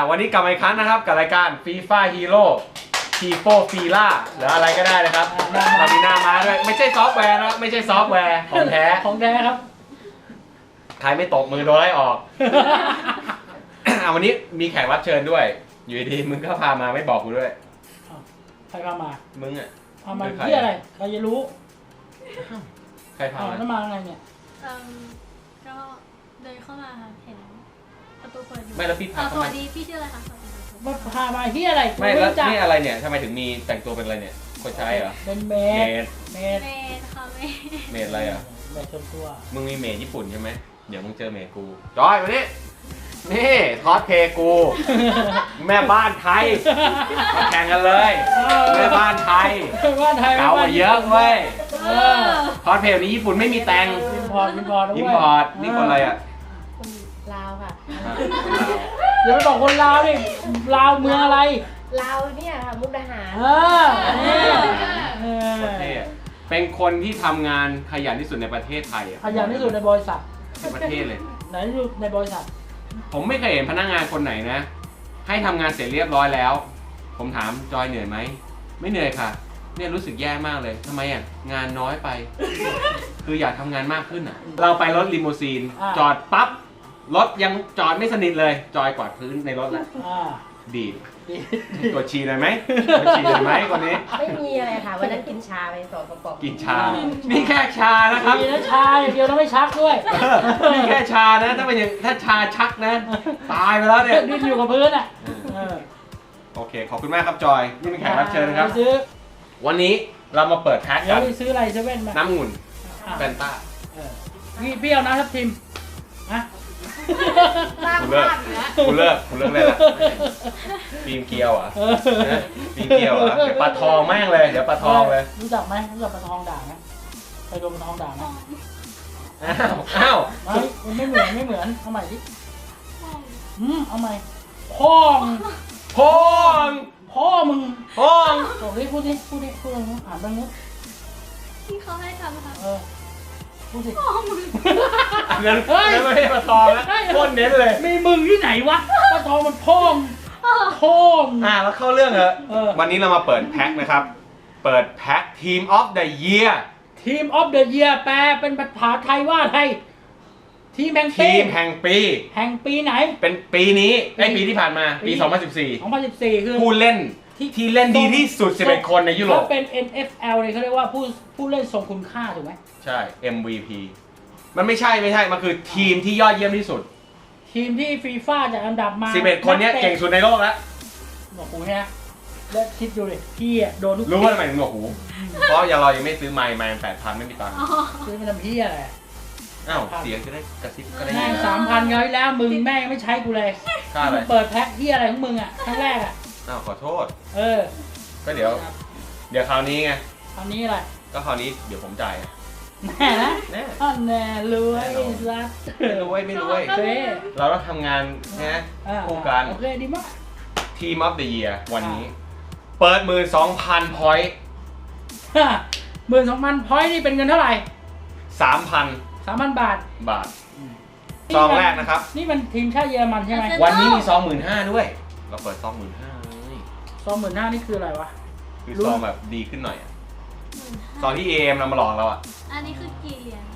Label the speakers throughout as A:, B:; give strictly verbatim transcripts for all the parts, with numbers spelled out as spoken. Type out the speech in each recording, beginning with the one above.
A: วันนี้กลับมาอีกครั้งนะครับกับรายการ FIFA Hero ทีโฟฟีล่าหรืออะไรก็ได้นะครับเรามีหน้ามาด้วยไม่ใช่ซอฟต์แวร์นะไม่ใช่ซอฟต์แวร์ของแท้
B: ของแท้ครับ
A: ใครไม่ตกมือโดนไล่ออก อ่ะวันนี้มีแขกรับเชิญด้วย อยู่ดีๆมึงก็พามาไม่บอกกูด้วย
B: ใครพามา
A: มึงอ่ะ
B: พามาที่อะไรใครจะรู้
A: ใครพา
B: เอา
A: มา
B: แล้วมาไงเนี่ย
C: เอ่อก็เดินเข้ามาค่ะเห็นประตูเปิดอยู่
A: ไม่แล้วพี่
C: เอ่
A: พา
C: อส
A: ทำไม
C: วัสดีพี่ชื่ออะไรคะสวัสดีค่ะ
B: ว่าพามาที่อะไร
A: ไม่แล้ว
B: จัก
A: นี่อะไรเนี่ยทำไมถึงมีแต่งตัวเป็นอะไรเนี่ยคนใช้เหรอ
B: เป็นเม
A: เม
B: ด
A: ด
B: เมด
C: เมย์ค่ะเมย์
A: เมดอะไรอ่ะ
B: เมดชมตัว
A: มึงมีเมดญี่ปุ่นใช่ไหมเดี๋ยวมึงเจอเมดกูจอยมานี่นี่คอสเพลย์กู แม่บ้านไทยมาแข่งกันเลยแม่บ้านไทย
B: ว่าไทย
A: เก่ามาเยอะเว้ย
C: เออ
A: คอสเพลย์นี้ญี่ปุ่นไม่มีแต่ง
B: อินพอร์ตอินพอร์ต
A: อิมพอร์ตนี่คนอะไรอ่ะ
D: คนลาวค่ะ
A: อ่ะ
B: อย่าไปบอกคนลาวดิลาวเมืองอะไร
D: ลาวเนี่ยค่ะมุกดาหาร
B: เออเออ
A: ประเทศเป็นคนที่ทำงานขยันที่สุดในประเทศไทยอะ
B: ขยันที่สุดในบริษัท
A: ในประเทศเลย
B: ไหนที่สุดในบริษัท
A: ผมไม่เคยเห็นพนักงานคนไหนนะ ให้ทำงานเสร็จเรียบร้อยแล้ว ผมถามจอยเหนื่อยไหมไม่เหนื่อยค่ะ เนี่ยรู้สึกแย่มากเลยทำไมอ่ะงานน้อยไป คืออยากทำงานมากขึ้นอ่ะ เราไปรถลิมูซีน จอดปั๊บรถยังจอดไม่สนิทเลย จอยกวาดพื้นในรถแล้ว
B: อ่า
A: ดีด
B: ดี
A: กดฉี่หน่อยไหมกดฉี่หน่อยไหมคนนี้
D: ไม่มีอะไรค่ะ วันนั้นกินชาไปสองกระป๋อง
A: กินชา นี่แค่ชานะครับ
B: ดีนะชาอย่างเดียวแล้วไม่ชักด้วย
A: นี่แค่ชานะ ถ้าเป็นอย่างถ้าชาชักนะ ตายไปแล้วเนี่ย
B: ดิ้นอยู่กับพื้นอ่ะเออ
A: โอเค ขอบคุณมากครับจอย นี่เป็นแขกรับเชิญนะครับ
B: ไปซื้อ
A: วันนี้เรามาเปิดแพ็ค
B: เดี๋ย
A: กั
B: วน ไปซื้ออะไรเซเว่นมา
A: น้ำองุ่น
B: อ่ะ
A: แฟนต้า
B: เออพี่พี่เอาน้ำทับทิมฮะ
A: กูเลิกกูเลิกกูเลิกเลยละปีมเกลียวเหรอ่ะ
B: เออ
A: ปีมเกลียวเหรอ่ะเดี๋ยวปลาทองแม่งเลย เดี๋ยวปลาทองเลย
B: รู้จักไหมรู้จักปลาทองด่างไหมเคยโดนปลาทองด่างไหม
A: อ้าว อ้าว
B: ไม่มันไม่เหมือนไม่เหมือนเอาใหม่ดิ
C: ห้อง
B: อืมเอาใหม่พ่อง
A: พอง
B: พ่อมึง
A: พอง
B: บอกดิพูดดิพูดดิพูดอะไรอ่านบ้างนี้
C: ที่เขาให้ทำค่ะ
B: เออพูดดิ
C: ห้องมึง
A: อันนั้นอันนั้นไม่ใช่ปลาทองนะโคตรเน้นเลย
B: มีมึงที่ไหนวะปลาทองมันพ่องพ่อง
A: อ่าแล้วเข้าเรื่องเหรอ
B: เออ
A: วันนี้เรามาเปิดแพ็คนะครับ เปิดแพ็ค Team of the Year
B: ทีมออฟเดอะเยียแปลเป็นภาษาไทยว่าไทยทีมแห่งปี
A: ทีมแห่งปี
B: แห่งปีไหน
A: เป็นปีนี้ไอยปีที่ผ่านมา ปี
B: ปี
A: สองพันสิบสี่
B: สองพันสิบสี่คือ
A: ผู้เล่นที่เล่นดีที่สุดสิบเอ็ดคนในยุโรป
B: ถ้าเป็น เอ็น เอฟ แอล เนี่ยเขาเรียกว่าผู้ผู้เล่นทรงคุณค่าถูกไหม
A: ใช่ เอ็ม วี พี มันไม่ใช่ไม่ใช่ มันคือทีมที่ยอดเยี่ยมที่สุด
B: ทีมที่ฟีฟ่าจัดอันดับมา
A: สิบเอ็ดคนเนี้ยเก่งสุดในโลกแล้ว
B: บอกกูเนี่ยแล้วคิดดูเลยพี่อะโดนทุก
A: รู้ว่าทำไมถึงหนวกหู เพราะยังเรายังไม่ซื้อไมค์ไมค์แปดพันไม่มีตังค์
C: อ๋อ
B: ซื้อมาทำพี่อะไร
A: อ้าวเสียงจะได้กระซิบก็ได้ยิ
B: แม่
A: น
B: งสามพันเขาวที่แล้วมึงแม่งไม่ใช้กูเลย
A: ค่าอะไร
B: มึงเปิดแพ็คที่อะไรของมึงอะครั้งแรกอะ
A: อ้าวขอโทษ
B: เออ
A: ก็เดี๋ยว เดี๋ยวคราวนี้ไง
B: ตอนนี้อะไร
A: ก็คราวนี้เดี๋ยวผมจ่าย
B: แน่นะ
A: แน่
B: อันแน่รวยรัด
A: ไม่รู้เว้ยไม่รู้เว้ย
B: โอเค
A: เราต้องทำงานนะ
B: อ่า
A: คู่กัน
B: โอเคดีมาก
A: ทีมออฟเดอะเยียร์วันนี้ เปิดหมื่นสองพันพอยต์
B: หมื่นสองพันพอยต์นี่เป็นเงินเท่าไหร่
A: สามพัน
B: สามพันบาท
A: บาท ซองแรกนะครับ
B: นี่มันทีมชาติเยอรมันใช่ไหม
A: วันนี้มีซองหมื่นห้าด้วย เราเปิดซองหมื่นห้าเลย
B: ซองหมื่นห้านี่คืออะไรวะ
A: คือ
B: รู้
A: ซองแบบดีขึ้นหน่อยอะ
C: หมื่นห้า
A: ซองที่เอมเรามาหลอกเราอ่ะ
C: อันนี้คือกี่เหรียญ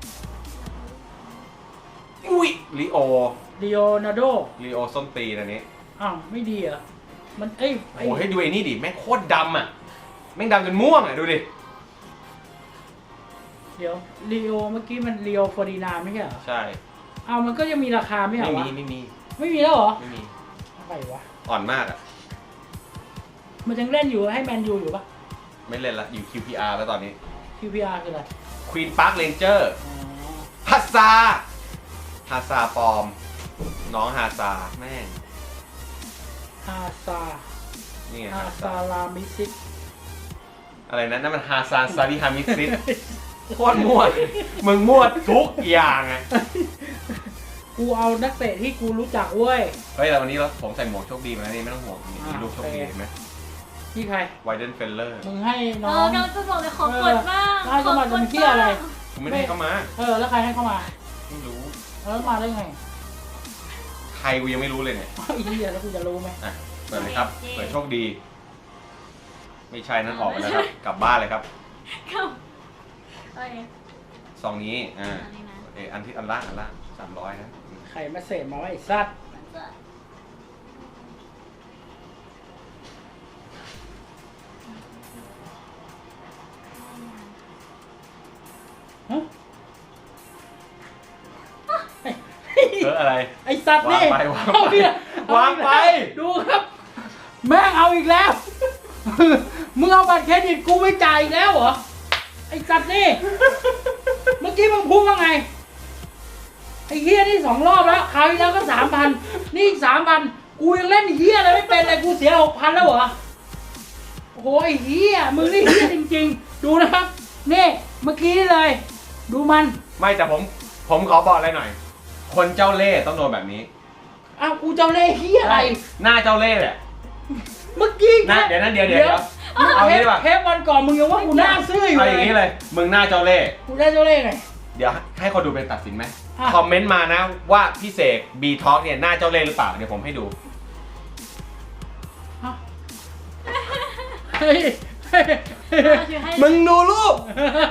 A: อุ้ยลิโอ
B: ดิโอนาโด
A: ลิโอส้นตีนอันนี้
B: อ้าวไม่ดีเหรอ มันเอ้ย
A: โอ้โหให้ดูไอ้นี่ดิ แม่งโคตรดำอ่ะ แม่งดำจนม่วงอ่ะ ดูดิ
B: เดี๋ยวลีโอเมื่อกี้มันลีโอฟอร์ดินานไม่ใช่เหรอ
A: ใช่
B: อ้าวมันก็ยังมีราคาไม่เหร
A: ไม่
B: อวะ
A: มีไม่มี
B: ไม่มีแล้วเหรอ
A: ไม่มี
B: อะไรวะ
A: อ่อนมากอ่ะ
B: มันยังเล่นอยู่ให้แมนยูอยู่ปะ
A: ไม่เล่นละ อยู่ คิว พี อาร์ แล้วตอนนี้
B: คิว พี อาร์ คืออะไร
A: ควีนพาร์คเรนเจอร์
B: อ๋อ
A: ฮัสซาฮาซาปลอม น้องฮาซาแม่ง
B: ฮาซา
A: นี่ไง
B: ฮา
A: ฮา
B: ซา
A: ซา
B: ลามิซิก
A: อะไรนะนั่นมันฮาซานซาดิฮามิซิสโคตรมั่วมึงมั่วทุกอย่างอ่ะ
B: กูเอานักเตะที่กูรู้จักเว้ย
A: เฮ้ยแต่วันนี้เราผมใส่หมวกโชคดีมาแล้วนี่ไม่ต้องห่วงนี่มี
B: อ่า
A: รูปโชคดี
B: โอเค
A: เห็นไหม
B: ที่ใคร
A: ไวเดนเฟลเลอร์
B: มึงให้
C: เอ
B: น้อ
C: อง กำลังจะบอกเลยขอกดบ้าง
B: เออแล้วจะมาทำเหี้ยอะไร
A: กูไม่ได้ให้เข้ามา
B: เออแล้วใครให้เข้ามา
A: ไม่รู้
B: แล้วมาได้ไง
A: ทรกูยังไม่รู้เลยเนี่ย
B: ไอ้เหี้ยแล้วกูจะรู้ไหม
A: อ่ะเปิดเลยครับเปิดโชคดี ไม่ใช่นั่นออกไปแล้วครับกลับบ้านเลยครับ
C: เข้าโอเค
A: ซองนี้อ่า
C: อันนี้นะ
A: เอออันที่อันล่างอันล่างสามร้อยนะ
B: ใครมาเสพมาว่าไอ้สัตว์
C: มันจะ
B: ฮะ
A: เอออะไร
B: ไอ้สัตว์นี่
A: วางไปวางไป
B: เออีกแล้ว
A: วางไป
B: ดูครับ แม่งเอาอีกแล้ว มึงเอาบัตรเครดิตกูไม่จ่ายอีกแล้วเหรอ ไอ้สัตว์นี่ เมื่อกี้มึงพูดว่าไง ไอ้เฮียนี่สองรอบแล้วคราวที่แล้วก็สามพันนี่อีกสามพันกูยังเล่นเฮียอะไรไม่เป็นเลยกูเสียหกพันแล้วเหรอ โอ้โหไอ้เฮียมึงนี่เฮียจริงๆ ดูนะครับ นี่เมื่อกี้นี่เลย ดูมัน
A: ไม่แต่ผมผมขอบอกอะไรหน่อย คนเจ้าเล่ห์ต้องโดนแบบนี้
B: อ้าวกูเจ้าเล่ห์เฮียอะไร
A: หน้าเจ้าเล่ห์แหละ
B: เมื่อกี้
A: นะเดี๋ยวนะเดี๋ยวเดี๋ยวเดี๋ยวเอา
B: เท
A: งี้
B: ป
A: ดีกว่า
B: เทปวันก่อนมึงยังว่ากูหน้าซื่ออยู่
A: เอา
B: เล
A: อย่างนี้เลย มึงหน้าเจ้าเล่ห์
B: กูได้เจ้าเล่ห์ไง
A: เดี๋ยวให้คนดูเป็นตัดสินไหม
B: อ่ะ
A: คอมเมนต์มานะว่าพี่เสกบีท็อกเนี่ยหน้าเจ้าเล่ห์หรือเปล่าเดี๋ยวผมให้ดู
B: ฮะเฮ้ยเฮ้ย
C: เอาชื่อให้
A: มึงดูรูป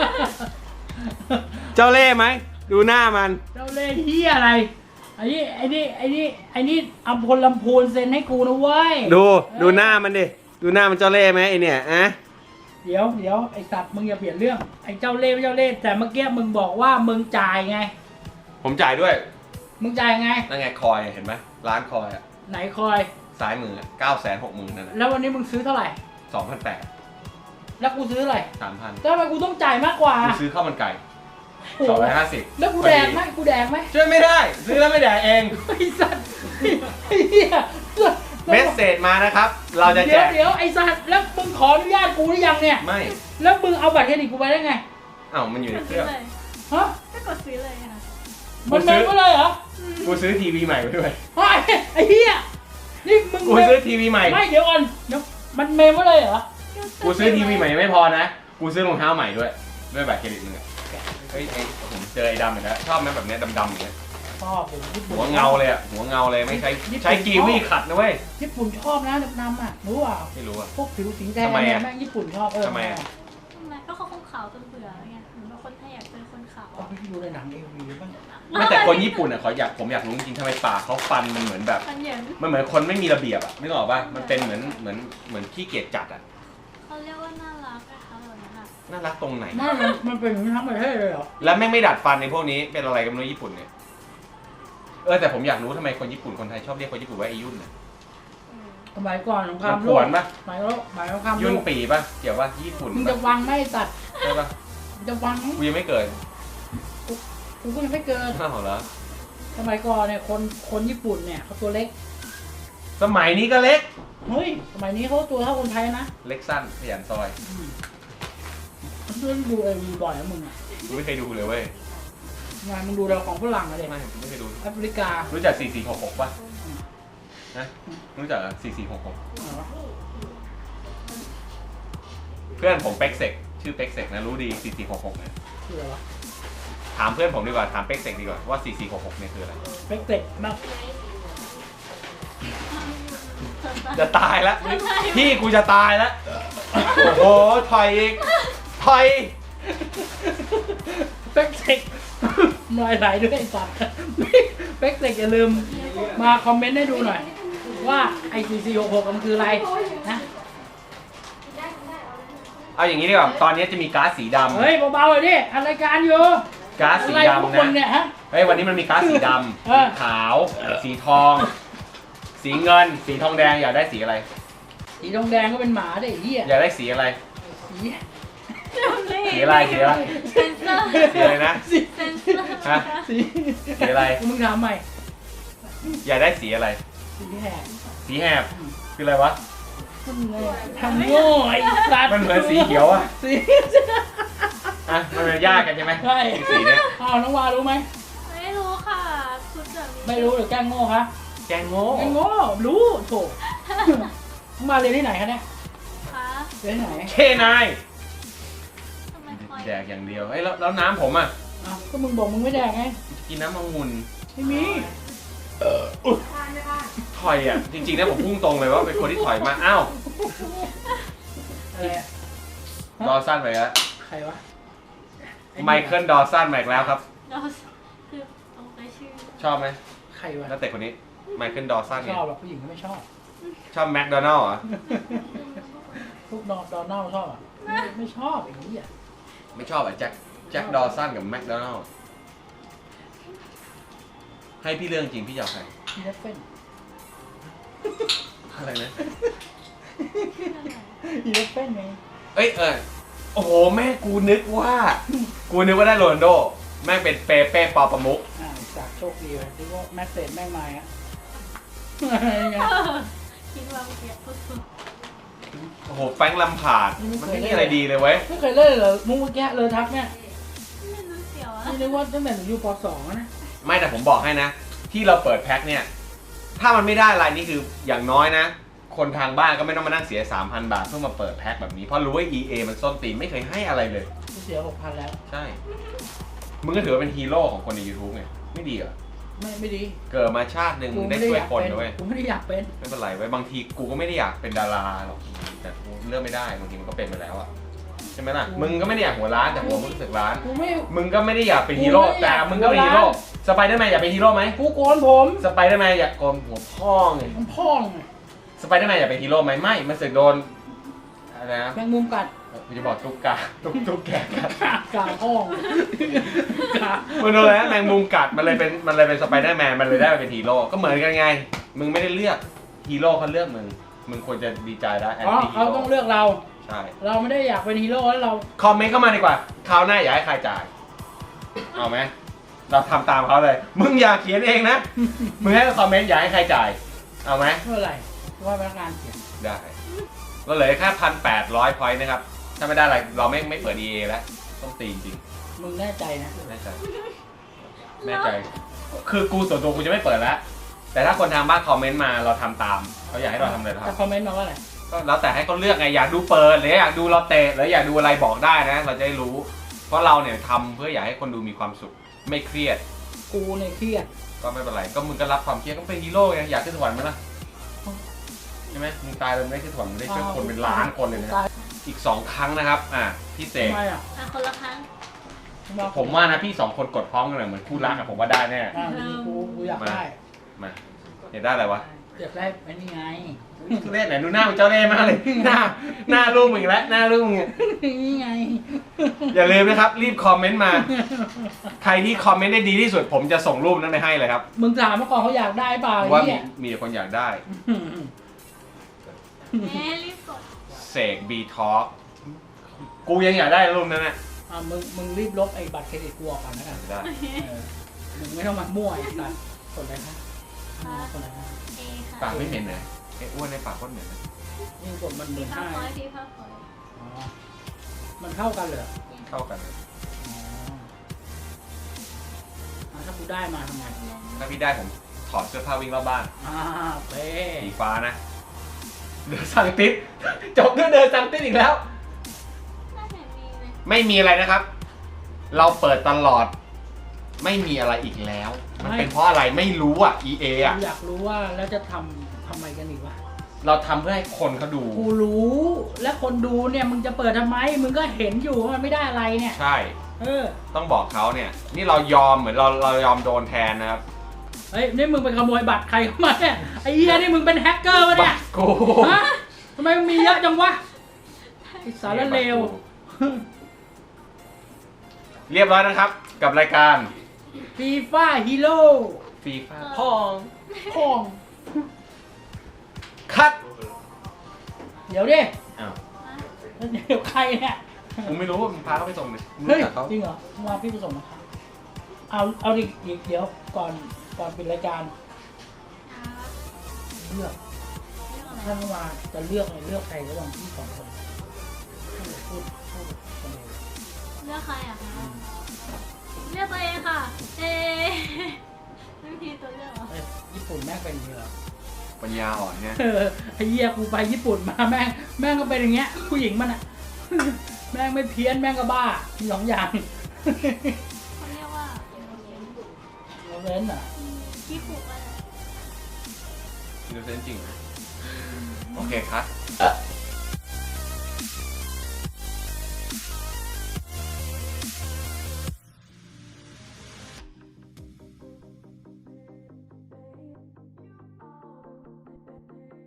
A: เจ้าเล่ห์ไหมดูหน้ามัน
B: เจ้าเล่ห์เฮียอะไรไอ้นี่ไอ้นี่ไอ้นี่ไอ้นี่อัมพลลำพูนเซ็นให้กูนะเว้ย
A: ดูดูหน้ามันดิดูหน้ามันเจ้าเล่ห์ไหมไอเนี่ยอะ
B: เดี๋ยวเดี๋ยวไอ้สัตว์มึงอย่าเปลี่ยนเรื่องไอ้เจ้าเล่ห์ไม่เจ้าเล่ห์แต่เมื่อกี้มึงบอกว่ามึงจ่ายไง
A: ผมจ่ายด้วย
B: มึงจ่ายไง
A: นั่นไงคอยเห็นไหมร้านคอยอะ
B: ไหนคอย
A: ซ้ายมือเก้าแสนหกหมื่นนั่นแหละ
B: แล้ววันนี้มึงซื้อเท่าไหร่
A: สองพันแปด
B: แล้วกูซื้อเท่าไหร่
A: สามพัน
B: แล้วทำไมกูต้องจ่ายมากกว่า
A: กูซื้อข้าวมันไก่
B: โอ้
A: สอง
B: โห
A: ร้อยห้าสิบ
B: แล้วกูแดกไหมกูแดกไหม
A: ช่วยไม่ได้ ซื้อแล้วไม่แดกเอง
B: ไอ้สัตว์ไอ้เหี้ย
A: เมสเซจมานะครับ เราจะแจ
B: เดี๋ยว
A: ก
B: เดี๋ยวไอ้สัตว์แล้วมึงขออนุญาตกูหรือยังเนี่ย
A: ไม่
B: แล้วมึงเอาบัตรเครดิตกูไปได้ไง
A: อ้าวมันอยู่ใน
C: กด
A: เค
C: ซื้
A: รื่
C: อ
A: อง
C: เลย
B: ฮะ
C: ก็กดซื้อเลยค่ะ
B: มันเมมก็เลยเหรอ
A: กูซื้อทีวีใหม่ไปด้วย
B: ไอ้ไอ้เหี้ยนี่มึง
A: กู
B: เมม
A: ซื้อทีวีใหม่
B: ไม่เดี๋ยวก่อนเดี๋ยวมันเมมก็เลยเหรอ
A: กูซื้อทีวีใหม่ไม่พอนะ กูซื้อรองเท้าใหม่ด้วย ด้วยบัตรเครดิตมึงอะเฮ้ยไอ้ผมเจอไอ้ดำอีกแล้วชอบไหมแบบเนี้ยดำๆอย่างเงี้ย
B: ชอบผมญี่ปุ่น
A: หัวเงาเลยอะหัวเงาเลยไม่ใช้
B: ญี่ปุ่น
A: ใช้กีวีขัดนะเว้ย
B: ญี่ปุ่นชอบนะดำๆอ่ะรู้เปล่า
A: ไม่รู้อะ
B: พวกผิวสีแดง
A: ทำไม
B: เนี่ย
A: อะ
B: แม่งญี่ปุ่นชอบเออ
A: ทำไมอะ
C: ทำไมก็เขาคงขาวจนเบื่อไงเหมือนว่าคนไทยอยากเป็นคนขาว
B: เอาไปดูในหนังเอวีบ้าง
A: ไม่แต่คนญี่ปุ่นอะเขาอยากผมอยากรู้จริงๆทำไมปากเขาฟันมันเหมือนแบบ
C: มันเหยิน
A: มันเหมือนคนไม่มีระเบียบอะไม่ออกป่ะมันเป็นเหมือนเหมือนเหมือนขี้เกียจจัดอะ
C: เขาเรียกว่าน่ารักนะคะแบบนั้นอะ
A: น่ารักตรงไหน
B: ไม่มันมันเป็นอย่างนี้ทั้งประเทศเลยเหรอ
A: แล้วแม่งไม่ดัดฟันในพวกนี้เป็นอะไรกันไม่รู้ญี่ปุ่นเนี่ยเออแต่ผมอยากรู้ทำไมคนญี่ปุ่นคนไทยชอบเรียกคนญี่ปุ่นว่าไอ้ยุ่นน่ะ
C: เออ
B: สมัยก่อนสงคราม
A: มัน
B: โล
A: ผว
B: ก
A: นปะ
B: สมัยโลกสมัยสงครามโล
A: ยุ่น
B: ก
A: ปีปะเกี่ยวว่าญี่ปุ่น
B: มึง
A: ปะ
B: จะวังไหม่ตัด
A: ใช่ปะ
B: มึงจะวังไหม
A: กูยังไม่เกิด
B: กูก็ยังไม่เกิน
A: อ้าวเหรอ
B: สมัยก่อนเนี่ยคนคนญี่ปุ่นเนี่ยเขาตัวเล็ก
A: สมัยนี้ก็เล็ก
B: เฮ้ยสมัยนี้เขาตัวเท่าคนไทยนะ
A: เล็กสั้นขยันซอย
B: มึงดูเอวีบ่อยนะมึงอ่ะ
A: กูไม่เคยดูเลยเว้ย
B: งานมึงดูเราของฝรั่งอะไร
A: ไม่กูไม่เคยดู
B: แอฟริกา
A: รู้จักสี่สี่หกหกปะนะรู้จักสี่สี่หกหก
B: อ๋อ
A: เพื่อนผมเป็กเซกชื่อเป็กเซกนะรู้ดีสี่สี่หกหกเนี่ย
B: คืออะไรวะ
A: ถามเพื่อนผมดีกว่าถามเป็กเซกดีกว่าว่าสี่สี่หกหกเนี่ยคืออะไร
B: เป็กเต็กมาก
A: จะตายแล้วพี่กูจะตายแล้วโอ้โหถอยอีกถอย
B: เป็กเต็กน้อยไหลด้วยไอ้สัตว์เป็กเต็กอย่าลืมมาคอมเมนต์ให้ดูหน่อย ว่าไอซีซีหกหกมันคืออะไรนะ
A: เอาอย่างนี้ดีกว่าตอนนี้จะมีก๊าซสีดำ
B: เฮ้ยเบาๆเลยดิอันรายการอยู่
A: ก๊าซสี
B: อะไรพวก
A: ดำ
B: คน
A: นะ
B: เนี่ยฮะ
A: เฮ้ยวันนี้มันมีก๊าซสีด
B: เออ
A: ำสีขาว สีทอง สีเงิน สีทองแดงอยากได้สีอะไร
B: สีทองแดงก็เป็นหมาได้ไอ้เหี้ย
A: อยากได้สีอะไร
B: สี
A: สีอะไรสีอะไร
C: เซนเซอร์
A: สีอะไรนะ
B: สี
C: เซนเซอร์
A: ฮะ
B: สี
A: สีอะไร
B: มึงถามใหม่
A: อยากได้สีอะไร
B: สีแหก
A: สีแหบคืออะไรวะ
B: มึงเลยทำโง่ไอ้สัตว์
A: มันเหมือนสีเขียวอะ
B: สี
A: อ่ะมันเป็นยากกันใช่ไหม
B: ใช่
A: สีเนี้ย
B: อ้าวน้องวารู้ไหม
C: ไม่รู้ค่ะชุดแบบนี้
B: ไม่รู้หรือแกล้งโง่คะ
A: แกงโง่
B: แกล้งโง่รู้โถน้องวาเรียนที่ไหนคะเนี่ย
C: ค่ะ
B: เรียนที่ไหน
A: เคนาย
C: ทำไมคอย
A: แดกอย่างเดียวเอ้ยแล้วแล้วน้ำผมอ่ะ
B: อ้าวก็มึงบอกมึงไม่แดกไง
A: กินน้ำองุ่น
B: ไม่มี
A: ถอยอ่ะจริงๆนะผมพุ่งตรงเลยว่าเป็นคนที่ถอยมาอ้าว
B: อะไรอะ
A: ดอสันไปแล้ว
B: ใครวะ
A: ไมเคิลดอสันมาอีกแล้วครับ
C: เราคือเอาไปชื่อ
A: ชอบไหม
B: ใครวะ
A: นักเตะคนนี้ไมเคิลดอสัน
B: ช
A: เนี่ย
B: อบหรอกผู้หญิงก็ไม่ชอบ
A: ชอบแมคโดนัลล์เหรอ
B: พวกดอนดอนนัลชอบอ่ะไม่ไม่ชอบอย่างนี้อ่ะ
A: ไม่ชอบอ่ะแจ็คแจ็คดอสันกับแมคโดนัลล์ให้พี่เรื่องจริงพี่จะเอาใคร
B: พี่เลฟเฟน
A: อะไรนะ
B: พี่เลฟเฟนไง
A: เอ้ยเออโอ้โหแม่กูนึกว่า กูนึกว่าได้โรนัลโดแม่งเป็นเปเป้ปอประมุก
B: อ่าจากโชคดีเลยที่ว่าแม็กเซนแม่งมาอ่ะไง
C: คิดว่าเมื่อกี้พูดถูก
A: โอ้โหแฟรงค์ลัมพาร์ดมันไม่มีอะไรดีเลยเว้ย
B: ไม่เคยเล่นเลยเหรอมุ้งเมื่อกี้เลยทักเนี่ย
C: ไม่รู้เสียวอะ
B: นี่นึกว่าตั้งแต่หนูอยู่ป สองนะ
A: ไม่แต่ผมบอกให้นะ ที่เราเปิดแพ็คเนี่ย ถ้ามันไม่ได้อะไรนี่คืออย่างน้อยนะ คนทางบ้านก็ไม่ต้องมานั่งเสีย สามพัน บาทเพื่อมาเปิดแพ็คแบบนี้ เพราะรู้ว่า อี เอ มันส้นตีนไม่เคยให้อะไรเลย
B: กูเสียหกพันแล้ว
A: ใช่ มึงก็ถือว่าเป็นฮีโร่ของคนใน YouTube ไงไม่ดีเหรอ
B: ไม่ไม่ดี
A: เกิดมาชาติหนึ่งมึงได้ช่วยคนด้วย
B: กูไม่ได้อยากเป็น
A: ไม่เป็นไรไว้ยบางทีกูก็ไม่ได้อยากเป็นดาราหรอกแต่กูเลือกไม่ได้บางทีมันก็เป็นไปแล้วอะใช่ไหมล่ะมึงก็ไม่ได้อยากหัวร้านแต่หัวมึงรู้สึกร้าน
B: กูไม่
A: มึงก็ไม่ได้อยากเป็นฮีโร่
B: กูไม่ได้
A: แต่
B: อยาก
A: มึงก็เป็นฮีโร่สไปเดอร์แมนอยากเป็นฮีโร่ไหม
B: กูโกนผม
A: สไปเดอร์แมนอยากโกนหัวพ่อไง
B: มันพ่องไง
A: สไปเดอร์แมนอยากเป็นฮีโร่ไหมไม่มันเสึกโดนอะไรนะ
B: แมงมุมกัด
A: กูจะบอกตุ๊กกาตุ๊กตุ๊กแกกัด
B: กากาห้องกา
A: มันโดนแล้วแมงมุมกัดมันเลยเป็นมันเลยเป็นสไปเดอร์แมนมันเลยได้มาเป็นฮีโร่ก็เหมือนกันไง มึงไม่ได้เลือกฮีโร่เขาเลือกมึงมึงควรจะดีใจได้แอน
B: อ๋อ
A: ตี้ฮี
B: เขา
A: โร่
B: ต้องเลือกเรา
A: ใช่
B: เราไม่ได้อยากเป็นฮีโร่แล้วเรา
A: คอมเมนต์เข้ามาดีกว่าคราวหน้าอยากให้ใครจ่ายเอาไหมเราทำตามเขาเลย มึงอย่าเขียนเองนะ มึงให้คอมเมนต์อยากให้ใครจ่ายเอาไหม
B: เมื่อไหร่ว่าพนักงานเขียน
A: ได้ก็เหลือแค่พันแปดร้อยพอยต์นะครับ ถ้าไม่ได้อะไรเราไม่ไม่เปิด อี เอ แล้ว ต้องตีจริง
B: มึงแน่ใจนะ
A: ๆแน่ใจแน่ใจ คือกูส่วนตัวกูจะไม่เปิดแล้ว แต่ถ้าคนทางบ้านคอมเมนต์มาเราทำตามเขาอยากให้เราทำอะไรเรา
B: แต่
A: ทำ
B: คอมเมนต์มาว่าอะไร
A: ก็แล้วแต่ให้เขาเลือกไงอยากดูเปิดหรืออยากดูเราเตะหรืออยากดูอะไรบอกได้นะ เราจะได้รู้ เพราะเราเนี่ยทำเพื่ออยากให้คนดูมีความสุข ไม่เครียด
B: กูเนี่ยเครียด
A: ก็ไม่เป็นไร ก็มึงก็รับความเครียดก็เป็นฮีโร่ไงอยากขึ้นสวรรค์ไหมล่ะใช่ไหมมึงตายเลยไม่ได้ขึ้นสวรรค์มึงได้ช่วยคนเป็นล้านคนเลยนะ
B: ตาย
A: อีกสองครั้งนะครับ อ่ะพี่เสก
B: ทำไมอ่ะ
C: อ่ะคนละครั้ง
A: ผมว่านะพี่สองคนกดพร้อมกันเลยเหมือนคู่รักอะผมว่าได้แน่
B: อ่ากูกูอยากได้
A: มาอยากได้อะไรวะ
B: อยากได้ไอ้นี่ไง
A: ทุเรศไหนดูหน้ามึงเจ้าเล่ห์มากเลยหน้าหน้าลูกมึงอีกแล้วหน้าลูกมึงอะ
B: นี่ไง
A: อย่าลืมนะครับ รีบคอมเมนต์มา ใครที่คอมเมนต์ได้ดีที่สุด ผมจะส่งรูปนั้นไปให้เลยครับ
B: มึงถามเมื่อก่อนเขาอยากได้เปล่าไอ้
A: ว่ามี
B: เนี่ย
A: มีแต่คนอยากได้
C: แม่รีบกด
A: เสกบีทอ k กูยังอยากได้รูปนั้นนะ
B: อ่ะมึงมึงรีบลบไอ้บัตรเครดิตกูออกก่อนนะกัน
A: ได้
B: เออมึงไม่ต้องมามั่วไอ้สัตว์คนอะไรคะคนอะไรคะ
C: เอค่ะ
A: ปากไม่เหม็นเลยไอ้อ้วนในปากโคตรเหม็นเลย
B: นี่กดมันห
C: พี่
B: มื่น
C: ภา
B: ห้า
C: พพอยพี่ภาพพอย
B: อ๋อมันเท่ากันเลยเหรอ
A: เข้ากันเลย
B: อ๋ออ่ะถ้ากูได้มาทำไง
A: ถ้าพี่ได้ผมถอดเสื้อผ้าวิ่งรอบบ้าน
B: อ่าเป้
A: สีฟ้านะ เดินสังติดจบด้วยเดินสังติดอีกแล้ว
C: น่าจะมีเลย
A: ไม่มีอะไรนะครับ เราเปิดตลอด ไม่มีอะไรอีกแล้ว มันเป็นเพราะอะไรไม่รู้อ่ะ อี เอ อ่ะ
B: กูอยากรู้ว่าแล้วจะทำทำไมกันอีกวะ
A: เราทำเพื่อให้คนเขาดู
B: กูรู้ และคนดูเนี่ยมึงจะเปิดทำไม มึงก็เห็นอยู่ว่ามันไม่ได้อะไรเนี่ย
A: ใช่
B: เออ
A: ต้องบอกเขาเนี่ย นี่เรายอมเหมือนเราเรายอมโดนแทนนะครับ
B: เฮ้ยนี่มึงไปขโมยบัตรใครเข้ามาเนี่ย ไอ้เหี้ยนี่มึงเป็นแฮกเกอร์วะเนี่ย
A: กู
B: ฮะทำไมมึงมีเยอะจังวะไอ้สารเลว
A: เรียบร้อยนะครับ กับรายการ
B: ฟีฟ่าฮีโร่
A: ฟีฟ่าพอง
B: พ่อง
A: คัด
B: เดี๋ยวดิ
A: อ้าว
B: เดี๋ยวใครเนี่ย
A: มึงไม่รู้มึงพาเขาไปส่งเลยมึง
B: เฮ้ย
A: รู้จักเขา
B: จริงเหรอมาพี่ผสมนะครับเอาเอาดิอีกเดี๋ยวก่อนก่อนปิดรายการ
C: ครับ
B: เลือก
C: เรื่องอะไร
B: ท่านว่าจะเลือกอะไรเลือกใครระหว่างพี่สองคนพูดพูดคนเดียว
C: เลือกใครอ่ะคะเลือกตัวเองค่ะ เอไม่มีตัวเลือกเหรอ
B: เอ้ยญี่ปุ่นแม่งเป็นอย่างนี้เหรอ
A: ปัญญาอ่อนเนี่ย
B: เออไอ้เหี้ยกูไปญี่ปุ่นมาแม่งแม่งก็เป็นอย่างเงี้ยผู้หญิงมันอ่ะ แม่งไม่เพี้ยนแม่งก็บ้ามีสองอย่าง
C: เขาเรียกว่า
B: เราเล่นอ่ะ
C: ขี้ขู่อะไร
B: อ
A: อินโนเซนต์จริงเหรอโอเคครับ